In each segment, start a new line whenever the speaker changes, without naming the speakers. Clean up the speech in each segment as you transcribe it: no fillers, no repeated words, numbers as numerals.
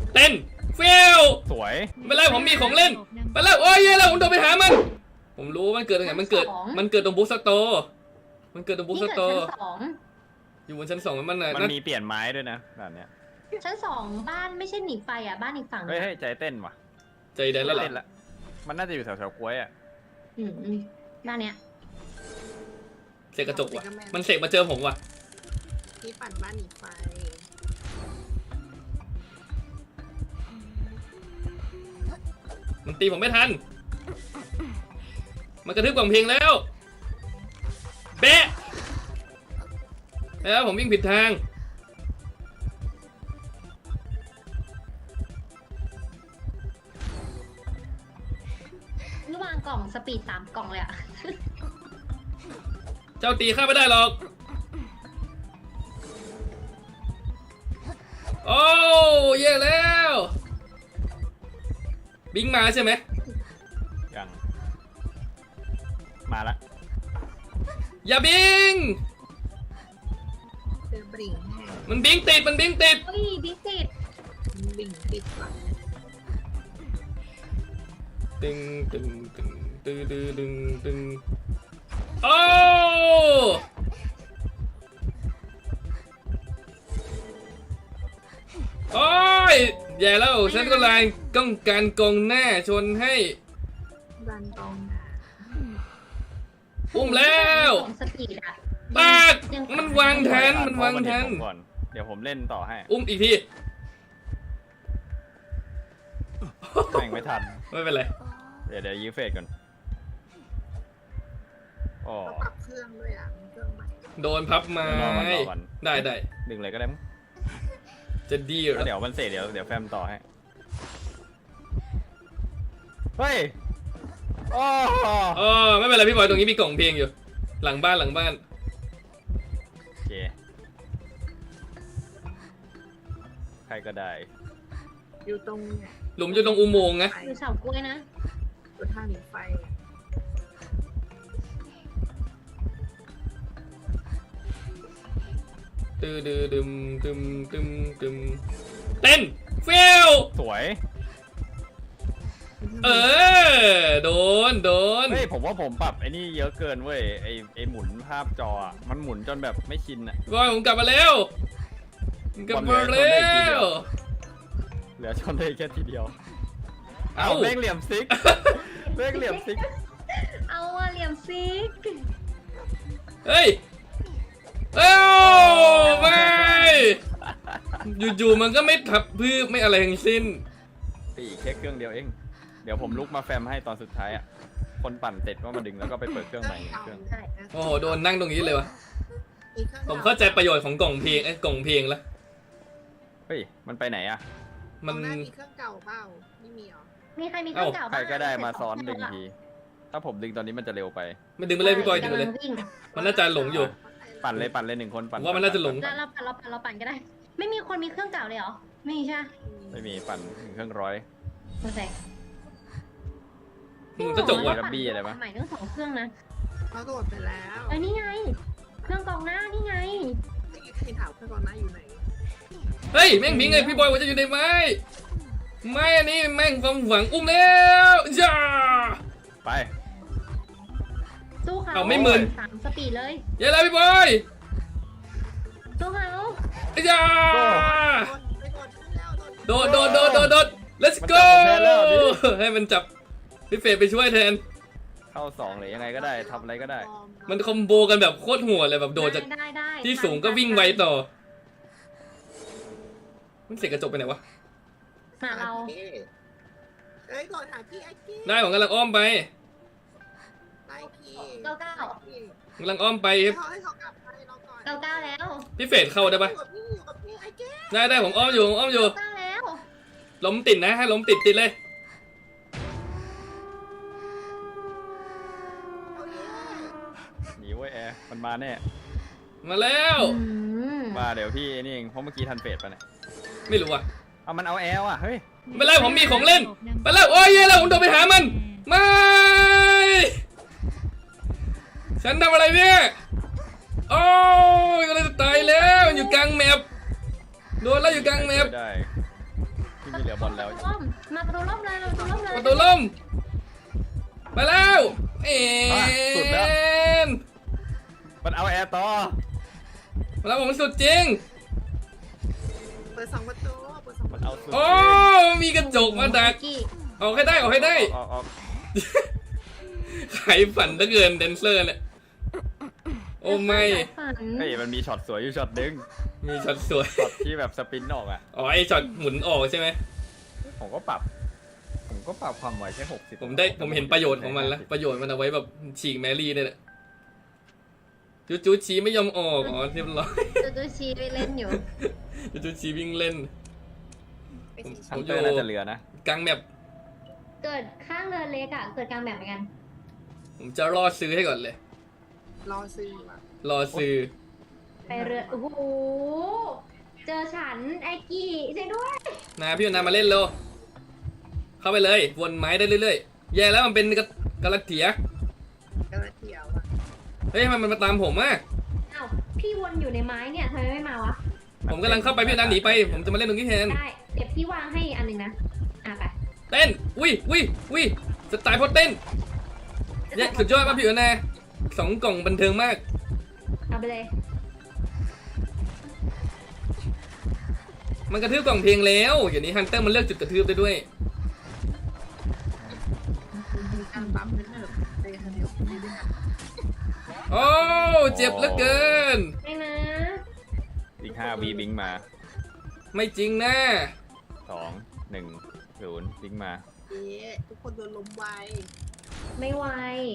เต้นเฟล
สวย
ไม่เป็นไรผมมีของเล่นไปแล้วโอ้ยเย้แล้วผมโดนไปหามันผมรู้มันเกิดตรงไหนมันเกิดตรงบุ๊กสโตร์มันเกิดตรงบุ๊กสโตร์อยู่บนชั้น 2มัน
มีเปลี่ยนไม้ด้วยนะแบบเนี้ย
ชั้น 2บ้านไม่ใช่หนีไฟอ่ะบ้านอีกฝั่ง
เฮ้ยใจเต้นว่ะ
ใจแดนแล้วเหรอ
เต้นละมันน่าจะอยู่แถวกล้วยอ่ะ
บ้านเนี้ย
เสกกระจกว่ะมันเสกมาเจอผมว่ะ
ที่ปั่นบ้านหนีไฟ
มันตีผมไม่ทันมันกระทืบกล่องเพลงแล้วเบ๊ะแล้วผมวิ่งผิดทาง
ระหว่างกล่องสปีด3 กล่องเลยอ่ะ
เจ้าตีข้าไม่ได้หรอกโอ้แย่แล้วบิงมาใช่ไหม
ยังมาละ
อย่าบิง
เจอบิ่งแห้ง
มันบิงติด
เฮ้ยบิ๊กติด
บิ่งติดก่อน
ตึงตึงตึงตึงตึงตึงตึงโอ้โอ้ยแย่แล้วฉันก็เลยต้องการกองหน้าชนให้
ดันตรง
อุ้มแล้ว
สปีดอ่ะ
ปากมันวางแทน
ก่อนเดี๋ยวผมเล่นต่อให้
อุ้มอีกที
แม่งไม่ทัน
ไม่เป็นไร
เดี๋ยวยื้อเฟสก่อนอ๋อ
ปรับเครื่องด้วยอ่ะเครื่องใหม่
โดนพับไม้ได้
ดึงเลยก็ได้มั้ง
จะดีเหรอ
เดี๋ยวมันเสร็จเดี๋ยวแฟมต่อให้เฮ้ย
อ๋อไม่เป็นไรพี่บอยตรงนี้มีกล่องเพลงอยู่หลังบ้าน
โอเคใครก็ได้
อยู่ตรง
หลุมอยู่ตรงอุโมงค์นะ
อยู่เสากล้วยนะ
อยู่ทางหนีไฟ
ตึมเต้นเฟล
สวย
โดน
เฮ้ยผมว่าผมปรับไอ้นี่เยอะเกินเว้ยไอ้หมุนภาพจอมันหมุนจนแบบไม่ชินอ่ะ
บอยผมกลับมาแล้ว
เหลือชนได้แค่ทีเดียวเอาเล่งเหลี่ยมซิก
เอาอะเหลี่ยมซิก
เฮ้ยไม่อยู่มันก็ไม่ทับพืชไม่อะไรทั้งสิ้น
ปีแค่เครื่องเดียวเองเดี๋ยวผมลุกมาแฟมให้ตอนสุดท้ายอ่ะคนปั่นเสร็จก็มาดึงแล้วก็ไปเปิดเครื่องใหม่เครื่อง
โอ้โหโดนนั่งตรงนี้เลยวะผมเข้าใจประโยชน์ของกล่องเพลงกล่องเพลงแล้ว
เฮ้ยมันไปไหนอ่ะ
มันมีเครื่องเก่าเปล่าไม่มีหรอ
มีใครมีเครื่องเก่า
ใครก็ได้มาซ้อนดึงทีถ้าผมดึงตอนนี้มันจะเร็วไป
ไม่ดึงไปเลยพี่บอยดึงไปเลยมันน่าจะหลงอยู่
ปั่นเลย1 คนปั่น
ว่ามันน่าจะหลง
เราปั่นก็ได้ไม่มีคนมีเครื่องเก่าเลยเหรอไม่ใช่
ไม่มีปั่นถึงเครื่อง100
โอเค
มึงก็จบว่ะ
กับบี้อะไรปะ
ใหม่ทั้ง2 เครื่องนะ
เขาโดดไปแล้ว
นี่ไงเครื่องกองหน้านี่ไง
ใครถามเครื่องกองหน้าอยู่ไหน
เฮ้ยแม่งบิงไงพี่บอยว่าจะอยู่ในไม้อันนี้แม่งความหวังอุ้มแล้วจ้า
ไป
สู้เขา
เอาไม่มึน
3 สปีดเลย
เย้แล้วพี่บอย
สู้เขา
จ้าโดด let's go ให้มันจับพี่เฟรไปช่วยแทน
เข้า2หรือยังไงก็ได้ทำอะไรก็ได้
มันคอมโบกันแบบโคตรโหดเลยแบบโดดจากที่สูงก็วิ่งไวต่อมันเสกกระจกไปไหนวะ
หาเรา
ก่อนหาพี่ไอ้กี้
ได้ผมกำลังอ้อมไป
99
กำลังอ้อมไป
99แล้ว
พี่เฟรเข้าได้ปะได้ผมอ้อมอยู่
แล้ว
ล้มติดนะให้ล้มติดเลย
หนีไว้แอร์มันมาแน่
มาแล้ว
มาเดี๋ยวพี่นี่เองเพราะเมื่อกี้ทันเฟสไปเนี่ย
ไม่รู้อ่ะ
เอามันเอาแอลอ่ะเฮ้ย
ไม่เป็นไรผมมีของเล่นไปแล้วโอ้ยแย่แล้วผมโดนไปหามันไม่ฉันทำอะไรเนี่ยโอ้ยก็เลยจะตายแล้วอยู่กลางแมปโดนแล้วอยู่กลางแมป
ได้ไม่เหลือบอลแล้ว
มาประตูร่มเลยประตูร่มเลย
ประตูล่มไปแล้วเอ็
สุดแล้ว
น
มันเอาแอร์ต่อ
มาแล้วผมสุดจริง
เปิด2 ประตูเปิด2 ป
มั
ระ
น
ตู
เอาสุด
โอ้มีกระจกมาดักออกให้ได้ออกให้ได้
ออก
ไขฝันเหลือเกินแดนเซอร์เนี่ยโอ้ไม่
ฝัน
เฮ้ยมันมีช็อตสวยอยู่ช็อตนึง
มีช็อตสวย
ช็อตที่แบบสปินออกอ่ะ
อ๋อไอช็อตหมุนออกใช่ไหม
ผมก็ปรับความไวแค่60
ผมเห็นประโยชน์ของมันแล้วประโยชน์มันเอาไว้แบบฉีกแมรี่เนี่ยแหละจูชีไม่ยอมออกอ๋อเรียบร้อย
จูชีไปเล่นอยู่
จูชีวิ่งเล่น
ไปสี
ฮันเตอร์น่าจะเหลือนะ
กลางแมป
เกิดข้างเรือเล็กอ่ะเกิดกลางแบบเหมือนกัน
ผมจะรอซื้อให้ก่อนเลย
รอซื้อว่ะ
รอซื้อ
ไปเรือโอ้โหเจอฉันไอ้กี้ใช่ด้วย
นาพี่นามาเล่นเร็วเข้าไปเลยวนไม้ได้เรื่อยๆแย่แล้วมันเป็นกระเทีย
กระเทียวอ่ะ
เฮ้ยมันมาตามผมอ่ะ
อ้าวพี่วนอยู่ในไม้เนี่ยทำไมไม่มาวะ
ผมกำลังเข้าไปพี่นาหนีไปผมจะมาเล่นตรงนี้แทน
ได้เก็บที่วางให้อันหนึ่งนะไป
เต้นวิสไตล์พอเต้นเนี่ยสุดยอดป่ะพี่นา2 กล่องบันเทิงมาก
เอาไปเลย
มันกระทืบกล่องเพลงแล้วเดี๋ยวนี้ฮันเตอร์มันเลือกจุดกระทืบได้ด้วย
มีการปั๊มนิดหนึ่งในกระเทียวมีด้วยกัน
โอ้เจ็บเหลือเกิน
ไม่นะ
อีก5 วีบิงมา
ไม่จริงนะ
2 1 0บิงมา
เอ๊ะทุกคนโดนลมไว
ไม่ไหว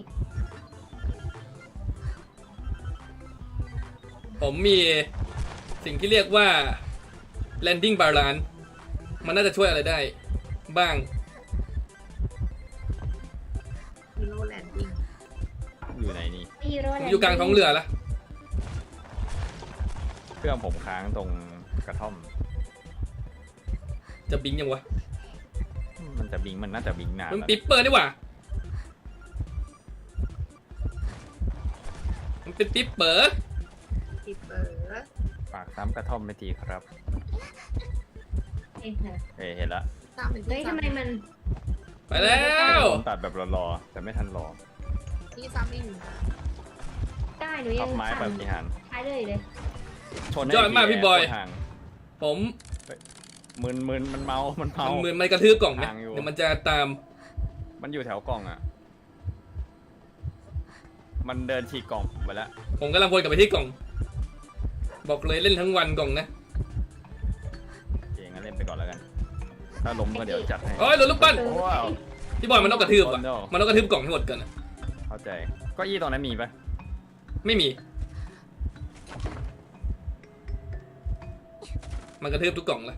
ผมมีสิ่งที่เรียกว่า landing balance มันน่าจะช่วยอะไรได้ บ้าง
ฮีโร่แลนดิ้ง
อยู่ไหนนี่
ฮีโร่
ผมอยู่กลางท้องเรือละ
เครื่องผมค้างตรงกระท่อม
จะบิงยังวะ
มันจะบิงมันน่าจะบิงนาน
มัน
แล้ว
ปิปเปอร์นี่หว่ามันเป็นปิปเปอร์
ปิดเปิด
ฝากซ้ำกระท่อมไม่ทีครับ
เองนะ
เห็นละ
ตามเป็น
เฮ้ย
ที่
ทำไมมัน
ไปแล้ว
ผมตัดแบบรอๆแต่ไม่ทันรอ
ที่ซ้ำเองอยู่นะ
ได้หนู
ทั
ยั
บ
ง
ไม้แบบพิหาร
ใช้เลยเลย
ชนให้
ยอดมากพี่บอย
ห่าง
ผม
มึนมันเมา
มันเหมือนมันกระทืบกล่องไหม
ห่างอยู่
เดี๋ยวมันจะตาม
มันอยู่แถวกล่องอ่ะ มันเดินฉีกกล่องไปแล้ว
ผมกำลังวนกลับไปที่กล่อง บอกเลยเล่นทั้งวันกล่องนะ
โอเคงั้นเล่นไปก่อนแล้วกัน ถ้าล้มก็เดี๋ยวจัดให้
โอ้ยโดนลูกปั้น
ว้าว
พี่บอยมันต้องกระทืบอ่ะ
โอ้ no
มันต้องกระทืบกล่องให้หมดก่อนอะ
เข้าใจเก็อี้ตรงนั้นมีปะ
ไม่มี มันกระทืบทุกกล่องละ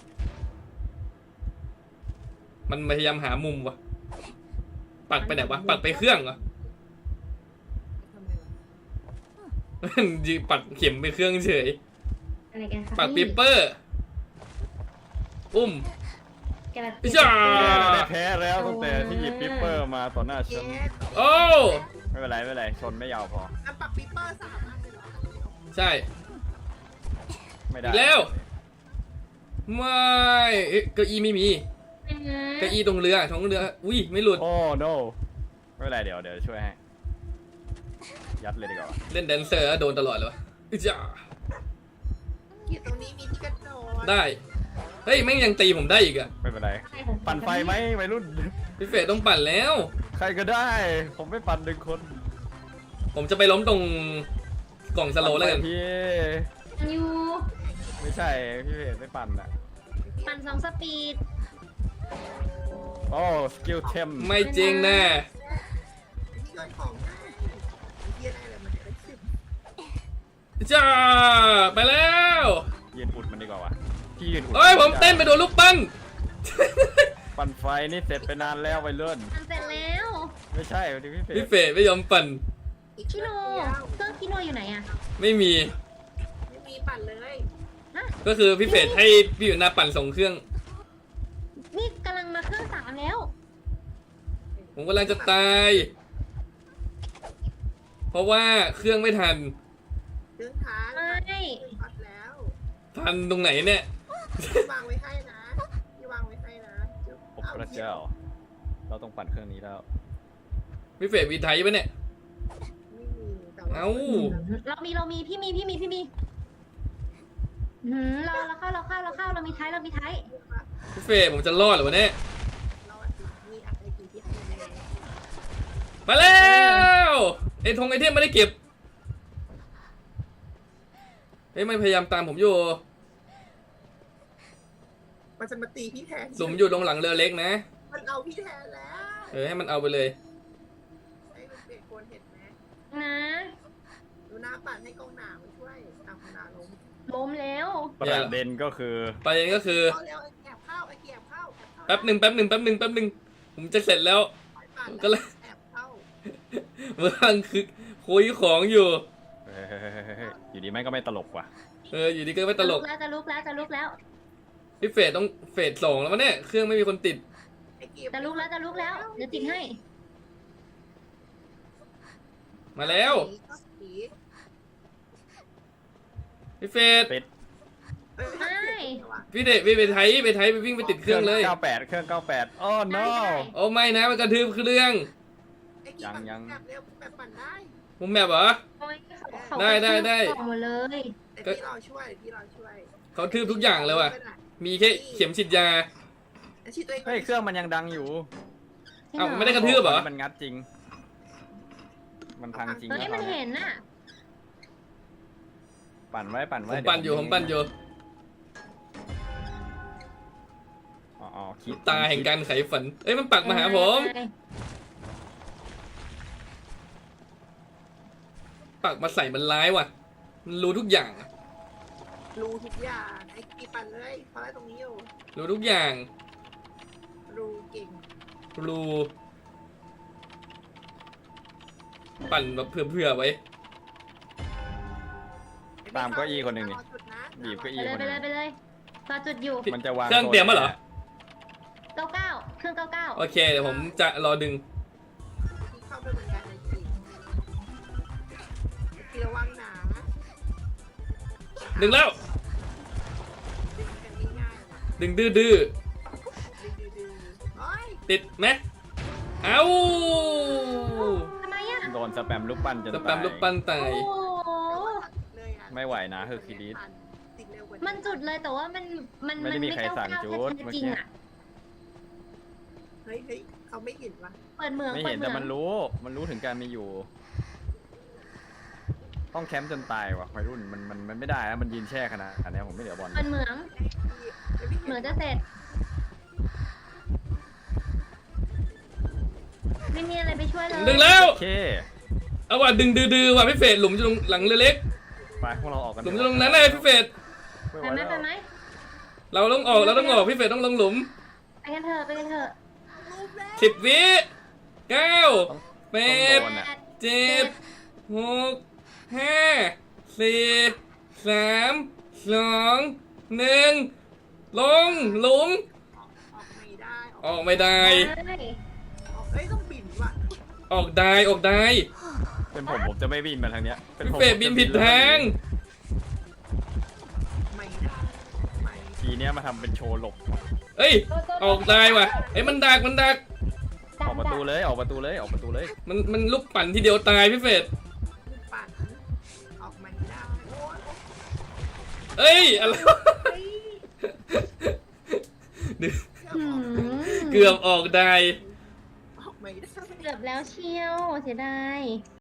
มันพยายามหามุมวะปักไปไหนวะ ปักไปเครื่องเหรอ
ทำไมวะ
ยืปักเข็มไปเครื่องเฉย
อะไรกันคะ
ปักปิปเปอร์ อุ้ม
กระ
อิจ้า
แพ้แล้วตั้งแต่ที่หยิบปิปเปอร์มาต่อหน้า
เอ๊
ฉัน
ะ
โอ้
ไม่เป็นไรชนไม่ยาวพอ
อันปรับปิปเปอร์สามารถเลยเหรอ
ใช่
ไม่ได้
อีกแล้ว ไม่เอ๊ะเก้าอี้ไม่มี เก้าอี้ตรงเรือท้องเรือ อุ้ยไม่หลุด
โอ้ no ไม่เป็นไรเดี๋ยวช่วยให้ ยัดเลยดีกว่า
เล่นแดนเซอร์แล้วโดนตลอดเลยวะอิจ้า
อยู่ตรงนี้มีที่กระโดด
ได้ เฮ้ยแม่งยังตีผมได้อีกอะ
ไม่เป็นไร ปั่นไฟไหมวัยรุ่น
พี่เฟรดต้องปั่นแล้ว
ใครก็ได้ ผมไม่ปั่น1 คน
ผมจะไปล้มตรงกล่องสโลว์แล้วกัน
ปั่ไฟพี่
อยู่
ไม่ใช่พี่เพจไม่ปั่นอ่ะ
ปั่น2 สปีด
โอ้สกิลเทม
ไม่จริงแน่
ที่โยนของได้เยี่ยได้เลยมันจะได้10
จ้าไปแล้ว
ยืนอุดมันดีกว่าวะพี่ยืนอุด
เฮ้ยผมเต้นไปโดนลูกปั้น
ปั่นไฟนี่เสร็จไปนานแล้ววัยรุ่น
ปั่นเสร็จแล้ว
ไม่ใช่พี่เพ
พี่
จ
เฟรดไม่ยอมปั่น
อีก
คิโน
เดียว
เครื่องคิโนอยู่ไหนอะ
ไม่มี
ไม่มีปั่นเลย
ก็คือพี่เฟรดให้พี่อยู่หน้าปั่นส่งเครื่อง
นี่กำลังมาเครื่อง3แล้ว
ผมกำลังจะตาย เพราะว่าเครื่องไม่ทัน
เครื่องค้าง
ไม่
เครื่องพัดแล้ว
ทันตรงไหนเนี่ย
พี่วางไว้ให้นะพี่วางไว้
เจ้า เราต้องปั่นเครื่องนี้แล้ว
พี่เฟรดวีไทยปะเนี่ย
ไม่มีแต่ว่า
เอ้า
เรามีพี่มีเราเข้าเรามีไทย
พี่เฟรดผมจะรอดเหรอวะเนี่ย
เราอาจจะมีอะไรกี่ที่ให้แน่
มาแล้วไอ้ธงไอเทมไม่ได้เก็บเฮ้ยมันพยายามตามผมอยู่
มันจะมาตีพี่แทน
หลุมอยู่ตรงหลังเรือเล็กนะ
มันเอาพี่แทนแล้ว
ให้มันเอาไปเลย
ไอ้มันเปลี่ยนคนเห็นไหม
นะ
ดูหน้าปั่นให้กองหนามาช่วยเอากองหนาลง
ล้มแล้ว
ประเด็นก็คือ
ประเด็นก็คือ
เอาเร็วไอ้แอบเข้าไอ้แอบเข้า
แป๊บหนึ่งผมจะเสร็จแล้ว ก็เลย
แอบเข้า
เมื่อกี้คือคุยของอยู่
เฮ้ยอยู่ดีแม่งก็ไม่ตลกว่ะ
อยู่ดีก็ไม่ตลก
จะลุกแล้ว
พี่เฟรดต้องเฟรด2แล้ววะเนี่ยเครื่องไม่มีคนติด
ไอ้เกีย
จะลุกแล้วเดี๋ยวติดให้
มาแล้ว
ผี
พี่เฟรด
ปิด
พี่เดชไปไทยไปวิ่งไปติดเครื่องเลย
98เครื่อง98อ้อ no
โอ้ไม่นะมันกระทืบเครื่อง
ยัง
แบบเร็วแบบปั่นได้
ผมแมปเหรอ ได้
หมดเลย
แต่พี่รอช่วย
เขาทืบทุกอย่างเลยว่ะ มีแค่เข็มฉีดยา
ฉีดตัวเอง
เฮ้ยเครื่องมันยังดังอยู่
เอ้าไม่ได้กระทืบเหรอ
มันงัดจริง มันพังจริง
เฮ้ยมันเห็นน่ะ
ปั่นไว้
ผมปั่นอยู่
อ๋อคิด
ตาแห่งการไขฝันเอ้ยมันปักมาหาผมปักมาใส่มันร้ายว่ะมันรู้ทุกอย่างอะ
รู้ทุกอย่างไอ้กีปั่นเลยเพราะอะไรตรงนี้อยู่
รู้ทุกอย่าง
รู้เก่ง
รู้ปั่นแบบเผื่อไว้
ตามเก้าอี้คนหนึ่งนี่บีบเก้าอี้คนหนึ่ง
ไปเลยรอจุดอยู่
มันจะวาง
เครื่องเตรียมมาเหรอ
99เครื่อง99
โอเคเดี๋ยวผมจะรอดึง
ที่เข้าไปเหมือนกันไอ้กีระวังหนา
ดึงแล้ว
ดึงกันง่ายๆ
ดึงดื้อ
ดึงโอ้ย
ติดไหมเอ้า
ทำไมอ่ะ
โดนสแปมลูกปั้นจน
จะ
ตาย
แปมลูกปั้นตาย
โอ้โห
เลยอ่ะ
ไม่ไหวนะเฮอร์คิวลิส
ติดเร็วกว่า
มันจุดเลยแต่ว่ามัน
ไม่ได้มีใครสั่งจุด
จริงอ่ะ
เฮ้ยเขาไม่เห็นวะ
เปิดเมือง
ไม่เห็นแต่มันรู้ถึงการมีอยู่ ต้องแคมป์จนตายว่ะวัยรุ่นมันไม่ได้แล้วมันยืนแช่ขนาดนี้ผมไม่เหลือบอล
เปิดเมืองเหมือนจะเสร็จไม่มีอะไรไปช่วยเลย
ดึงแล้ว
โอเค
เอาว่ะดึงดื้อว่ะพี่เฟรดหลุมอยู่ตรงหลังเรือเล็ก
ไปพวกเราออกกัน
หลุมอยู่ตรงนั้นเลยพี่เฟรด
ไปไหม
เราต้องออกพี่เฟรดต้องลงหลุม
ไปกันเถอะ
10 วิ9
ต้องโด
8
นอ่ะ
7 6 5 4 3 2 1ลงหลุม
ออกไม่ได้
ออกไม่ได้
เฮ้ยต้องบินว่ะ
ออกได้
เป็นผมจะไม่บินมาทางเนี้ยเป็น
พี่
ผม
เฟรดบินผิดทาง
ไม่ได้ไม่
ทีเนี้ยมาทำเป็นโชว์หลบ
เอ้ยออกได้ว่ะเอ้ยมันดัก
ออกประตูเลย
มันลูกปั่นทีเดียวตายพี่เฟรด
ปั่นออกไม่ได้โอ้ย
เอ้ยอะไรวะเกือบออกได้
ออกไม่ได้
เกือบแล้วเชียวเสียดาย